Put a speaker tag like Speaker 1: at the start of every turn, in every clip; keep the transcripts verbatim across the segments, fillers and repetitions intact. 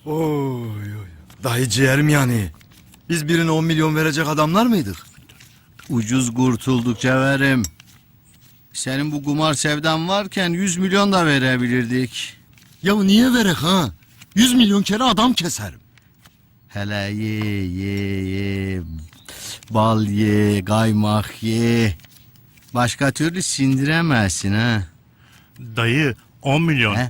Speaker 1: Oy oy. Dayı ciğerim yani. Biz birine on milyon verecek adamlar mıydık?
Speaker 2: Ucuz kurtulduk Cevherim. Senin bu kumar sevdan varken yüz milyon da verebilirdik.
Speaker 1: Ya niye verek ha? Yüz milyon kere adam keserim.
Speaker 2: Hele ye ye ye. Bal ye, kaymak ye. Başka türlü sindiremezsin ha.
Speaker 3: Dayı on milyon.
Speaker 2: He?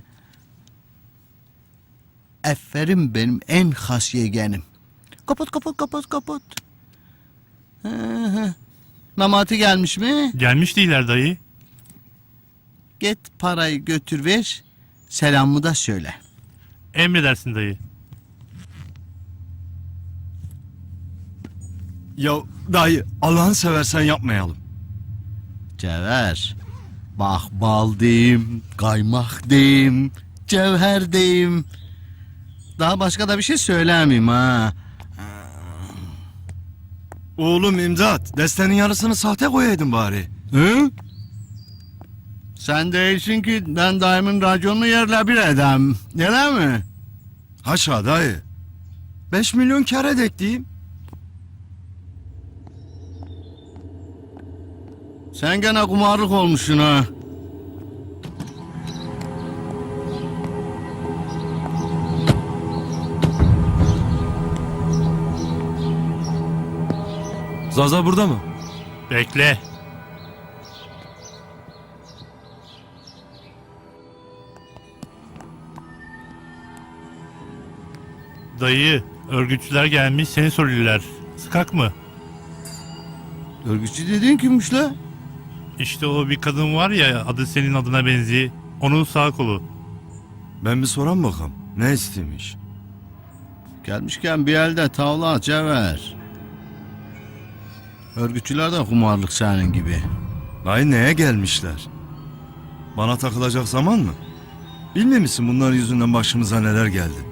Speaker 2: Aferin benim en has yeğenim. Kapat kapat kapat kapat. Hı hı. Memati gelmiş mi?
Speaker 3: Gelmiş değiller dayı.
Speaker 2: Git parayı götür ver. Selamımı da söyle.
Speaker 3: Emredersin dayı.
Speaker 1: Ya dayı Allah'ını seversen yapmayalım.
Speaker 2: Cevher. Bak bal diyeyim, kaymak diyeyim, cevher diyeyim. Daha başka da bir şey söylemeyeyim ha.
Speaker 1: Oğlum imdat. Destenin yarısını sahte koyaydın bari.
Speaker 2: Hı? Sen değilsin ki ben daimin raconunu yerle bir edem. Öyle mi?
Speaker 1: Haşa dayı. Beş milyon kar edek diyeyim.
Speaker 2: Sen gene kumarlık olmuşsun ha.
Speaker 4: Zaza burada mı?
Speaker 3: Bekle. Dayı, örgütçüler gelmiş seni soruyorlar. Sıkak mı?
Speaker 2: Örgütçü dediğin kimmiş la?
Speaker 3: İşte o bir kadın var ya adı senin adına benziyor. Onun sağ kolu.
Speaker 1: Ben bir soran bakalım. Ne istemiş?
Speaker 2: Gelmişken bir elde tavla cevher. Örgütçüler de kumarlık senin gibi.
Speaker 1: Dayı neye gelmişler? Bana takılacak zaman mı? Bilmiyor musun bunların yüzünden başımıza neler geldi?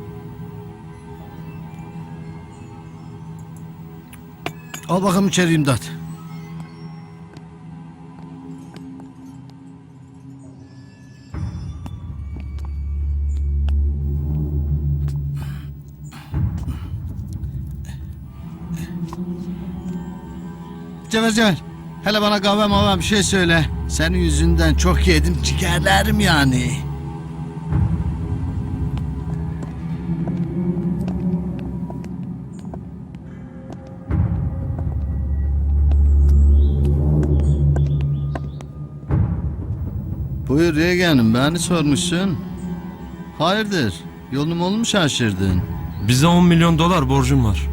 Speaker 2: Al bakalım içeri imdat. Cevher Cevher. Hele bana kahve mava bir şey söyle. Senin yüzünden çok yedim ciğerlerim yani. Buyur yeğenim beni sormuşsun. Hayırdır yolum olmuş şaşırdın.
Speaker 4: Bize on milyon dolar borcum var.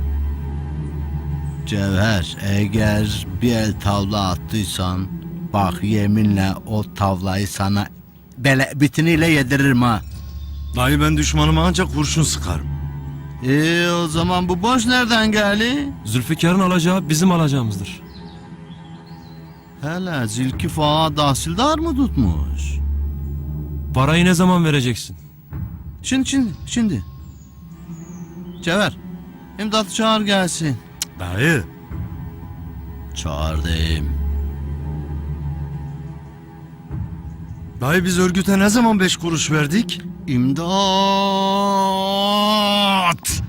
Speaker 2: Cevher eğer bir el tavla attıysan bak yeminle o tavlayı sana bele bitiniyle yediririm ha.
Speaker 1: Dayı ben düşmanıma ancak kurşun sıkarım.
Speaker 2: Ee o zaman bu borç nereden geldi?
Speaker 4: Zülfikar'ın alacağı bizim alacağımızdır.
Speaker 2: Hele Zülküf Ağa tahsildar mı tutmuş?
Speaker 4: Parayı ne zaman vereceksin?
Speaker 2: Şimdi şimdi şimdi. Cevher imdatı çağır gelsin.
Speaker 1: Dayı.
Speaker 2: Çağır deyim.
Speaker 1: Dayı biz örgüte ne zaman beş kuruş verdik?
Speaker 2: İmdat!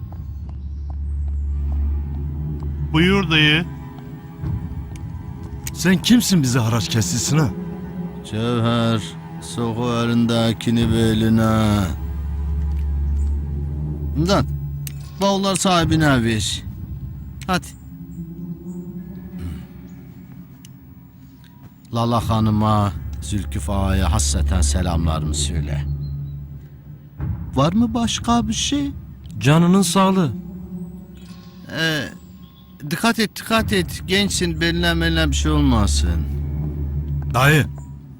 Speaker 3: Buyur dayı.
Speaker 1: Sen kimsin bize haraç kessilsin ha?
Speaker 2: Cevher soku elindekini beline. İmdat bavullar sahibine ver. Hadi. Lala Hanım'a, Zülküf Ağa'ya hasreten selamlarımı söyle. Var mı başka bir şey?
Speaker 4: Canının sağlığı.
Speaker 2: Ee, dikkat et, dikkat et. Gençsin, beline beline bir şey olmasın.
Speaker 1: Dayı.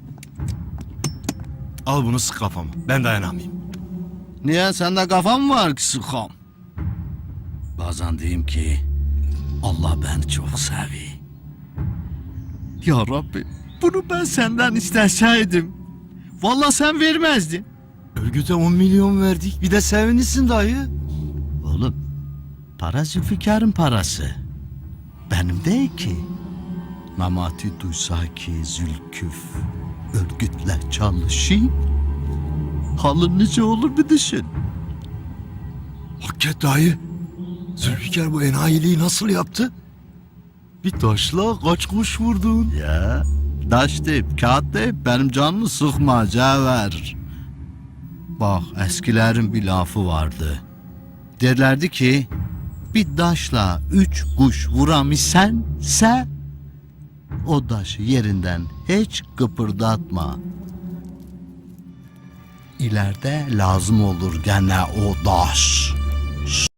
Speaker 1: Al bunu sık kafama. Ben dayanamayayım.
Speaker 2: Niye? Sende kafa mı var ki sıkam? Bazen diyeyim ki Allah beni çok seviyor. Ya Rabbi bunu ben senden isteseydim vallahi sen vermezdin.
Speaker 1: Örgüte on milyon verdik. Bir de sevinirsin dayı.
Speaker 2: Oğlum para Zülfikar'ın parası. Benim değil ki. Memati duysa ki Zülküf örgütle çalışayım. Halın nice olur bir düşün.
Speaker 1: Hakikat dayı. Zülfikar bu enayiliği nasıl yaptı? Bir taşla kaç kuş vurdun?
Speaker 2: Ya daş deyip kağıt deyip benim canımı sıkma Cevher. Bak eskilerin bir lafı vardı. Derlerdi ki bir daşla üç kuş vuramışsense o daşı yerinden hiç kıpırdatma. İleride lazım olur gene o daş.